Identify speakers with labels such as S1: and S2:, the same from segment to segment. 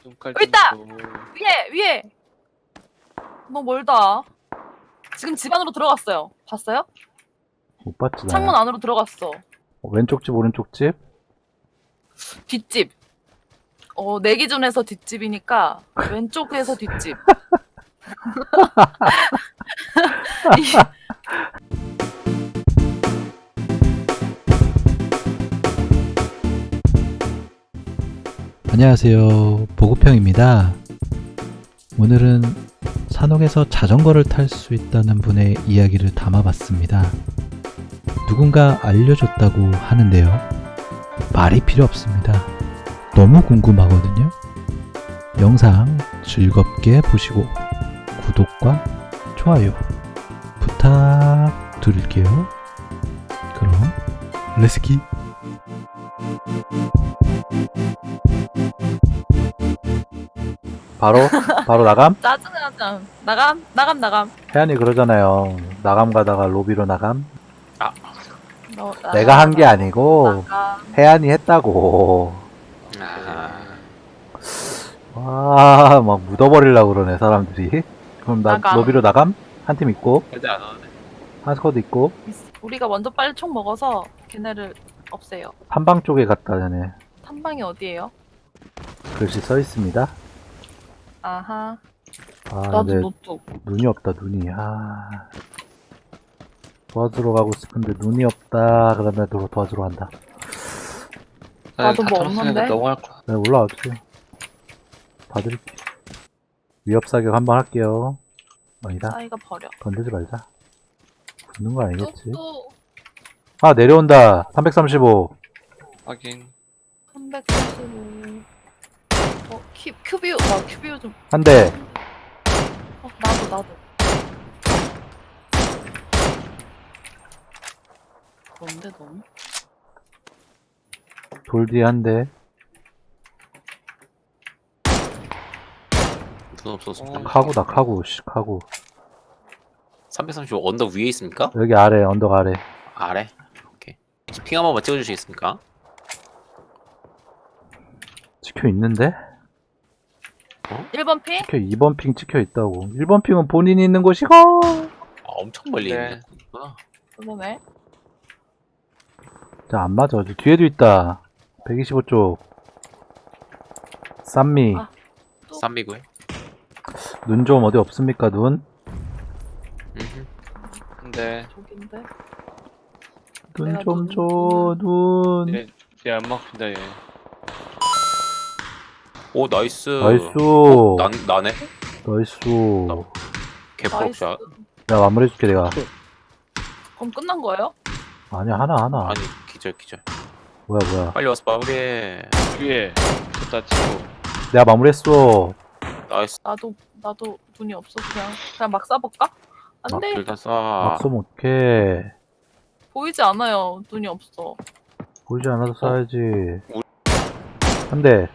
S1: 여기 있다! 위에! 너무 멀다. 지금 집 안으로 들어갔어요. 봤어요?
S2: 못 봤지, 나.
S1: 창문 안으로 들어갔어.
S2: 왼쪽 집, 오른쪽 집?
S1: 뒷집. 내 기준에서 뒷집이니까 왼쪽에서 뒷집.
S3: 안녕하세요. 보급형입니다. 오늘은 산옥에서 자전거를 탈 수 있다는 분의 이야기를 담아봤습니다. 누군가 알려줬다고 하는데요. 말이 필요 없습니다. 너무 궁금하거든요. 영상 즐겁게 보시고 구독과 좋아요 부탁드릴게요. 그럼 렛츠기!
S2: 바로 나감?
S1: 짜증나잖아. 나감.
S2: 혜연이 그러잖아요. 나감 가다가 로비로 나감?
S1: 너,
S2: 내가 한 게 아니고,
S1: 나감.
S2: 혜연이 했다고.
S1: 아.
S2: 와, 막 묻어버리려고 그러네, 사람들이. 그럼 나
S1: 나감.
S2: 로비로 나감? 한 팀 있고,
S4: 애들 안 오네.
S2: 한 스쿼드 있고,
S1: 우리가 먼저 빨리 총 먹어서 걔네를 없애요.
S2: 한방 쪽에 갔다 전에
S1: 탐방이 어디예요?
S2: 글씨 써 있습니다.
S1: 아하.
S2: 아,
S1: 나도
S2: 근데
S1: 노트.
S2: 눈이 없다, 눈이. 아. 도와주러 가고 싶은데 눈이 없다. 그러면 도와주러 간다.
S1: 나도 뭐 없는데?
S4: 너무 할 거야.
S2: 네, 올라와 주세요. 봐드릴게. 위협 사격 한번 할게요. 아니다.
S1: 싸이가 버려.
S2: 건들지 말자. 붙는 거 아니겠지?
S1: 또
S2: 아, 내려온다. 335.
S4: 확인.
S1: 335. 큐비오. 나 큐비오 좀.
S2: 한 대.
S1: 나도. 뭔데 너무?
S2: 돌 뒤에 한 대.
S4: 눈 없어서.
S2: 카구다, 카구. 씨, 카구.
S4: 335 언덕 위에 있습니까?
S2: 여기 아래, 언덕 아래.
S4: 아래? 오케이. 핑 한 번만 찍어주시겠습니까?
S2: 찍혀 있는데?
S1: 1번 핑?
S2: 찍혀 2번 핑 찍혀 있다고. 1번 핑은 본인이 있는 곳이고.
S4: 엄청 멀리 있네.
S1: 그러네.
S2: 자, 안 맞아. 저 뒤에도 있다. 125쪽. 쌈미.
S1: 아.
S4: 쌈미고요.
S2: 눈 좀 어디 없습니까, 눈?
S4: 근데
S1: 저긴데.
S2: 눈
S1: 내가
S2: 좀
S1: 눈-
S2: 줘, 눈.
S4: 얘안 막힌다 얘. 오 나이스.
S2: 나이스.
S4: 나네.
S2: 나이스.
S4: 개폭샷.
S2: 내가 마무리해줄게, 내가.
S1: 그럼 끝난 거예요?
S2: 아니야, 하나.
S4: 아니 기절.
S2: 뭐야.
S4: 빨리 와서 마무리해.
S5: 위에 쳤다 치고
S2: 내가 마무리했어.
S4: 나이스.
S1: 나도 눈이 없어서 그냥 막 쏴볼까? 안 돼.
S4: 일단 쏴.
S2: 막 쏘면 어떡해.
S1: 보이지 않아요. 눈이 없어.
S2: 보이지 않아서 쏴야지.
S4: 우리-
S2: 한 대.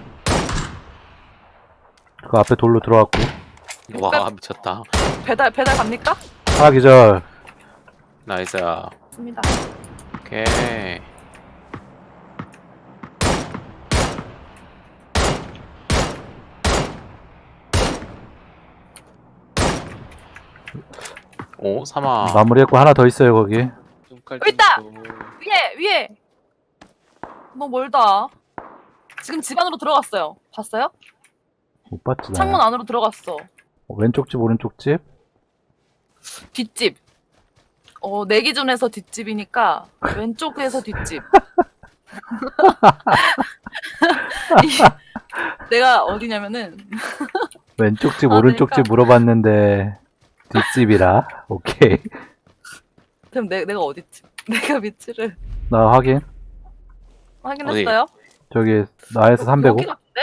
S2: 그 앞에 돌로 들어갔고.
S4: 와 미쳤다.
S1: 배달 갑니까?
S2: 하나 기절.
S4: 나이스.
S1: 맞습니다.
S4: 오케이. 오 사마.
S2: 마무리했고 하나 더 있어요, 거기.
S1: 여기 있다! 위에! 너무 멀다. 지금 집 안으로 들어갔어요. 봤어요?
S2: 못 봤지, 나.
S1: 창문 안으로 들어갔어.
S2: 왼쪽 집, 오른쪽 집.
S1: 뒷집. 내 기준에서 뒷집이니까 왼쪽에서 뒷집. 내가 어디냐면은
S2: 왼쪽 집,
S1: 아,
S2: 오른쪽 집 물어봤는데 뒷집이라. 오케이.
S1: 그럼 내가 어디지? 내가 위치를
S2: 나 확인.
S1: 확인했어요?
S2: 저기 나에서 305.
S1: 여기 같은데?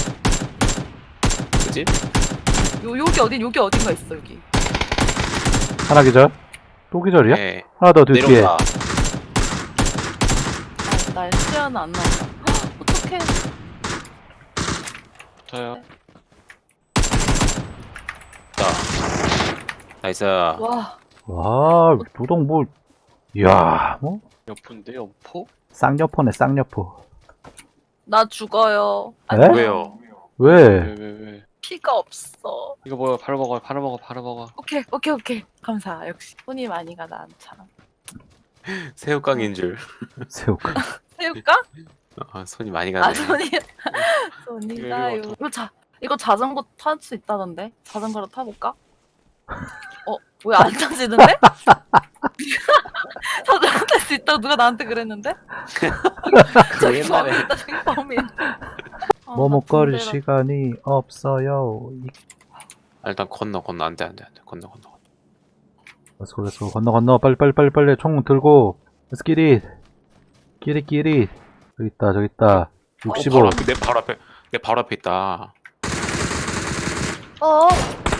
S4: 그지?
S1: 여기 어딘가 있어 여기.
S2: 하나 기절. 또 기절이야?
S4: 네.
S2: 하나 더 뒤에.
S4: 내려온다.
S1: 나 시야는 안 나온다. 어떡해.
S5: 저요.
S4: 자. 나이스.
S1: 와.
S2: 와, 도동 뭐. 이야, 뭐.
S5: 옆인데 옆포?
S2: 쌍여포네, 쌍여포.
S1: 나 죽어요.
S2: 에?
S4: 왜요?
S2: 왜?
S5: 왜?
S1: 피가 없어.
S5: 이거 뭐야? 바로 먹어. 바로 먹어. 바로 먹어.
S1: 오케이. 감사. 역시 손이 많이 가다 않잖아.
S4: 새우깡인 줄.
S2: 새우깡.
S1: 새우깡?
S4: 손이 많이 가네.
S1: 아 손이 가요. 이거 자전거 탈 수 있다던데? 자전거로 타볼까? 왜 안 타지는데? 자전거 탈 수 있다고 누가 나한테 그랬는데?
S4: 그 옛날에
S1: 저기 범인.
S2: 뭐 먹거리 시간이 없어요.
S4: 일단 건너 안돼 건너.
S2: 렛츠고 건너 빨리 총 들고 Let's get it. 끼리 저기 있다 65.
S4: 내 바로 앞에 있다.
S1: 어?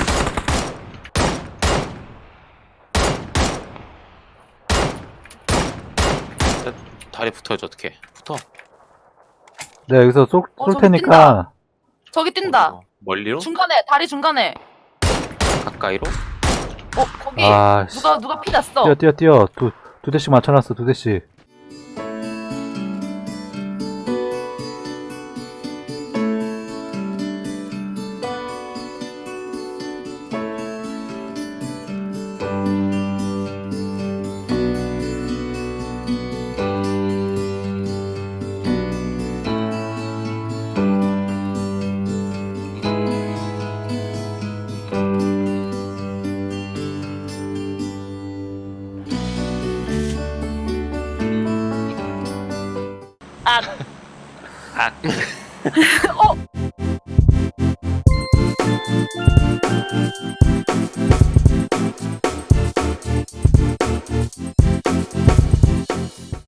S4: 다리 붙어야지 어떻게? 붙어.
S2: 내가 여기서 쏠
S1: 저기
S2: 테니까
S1: 저기 뛴다.
S4: 어디서? 멀리로?
S1: 중간에 다리 중간에.
S4: 가까이로?
S1: 거기
S2: 아 씨.
S1: 누가 피 났어.
S2: 뛰어 두 대씩 맞춰놨어 두 대씩.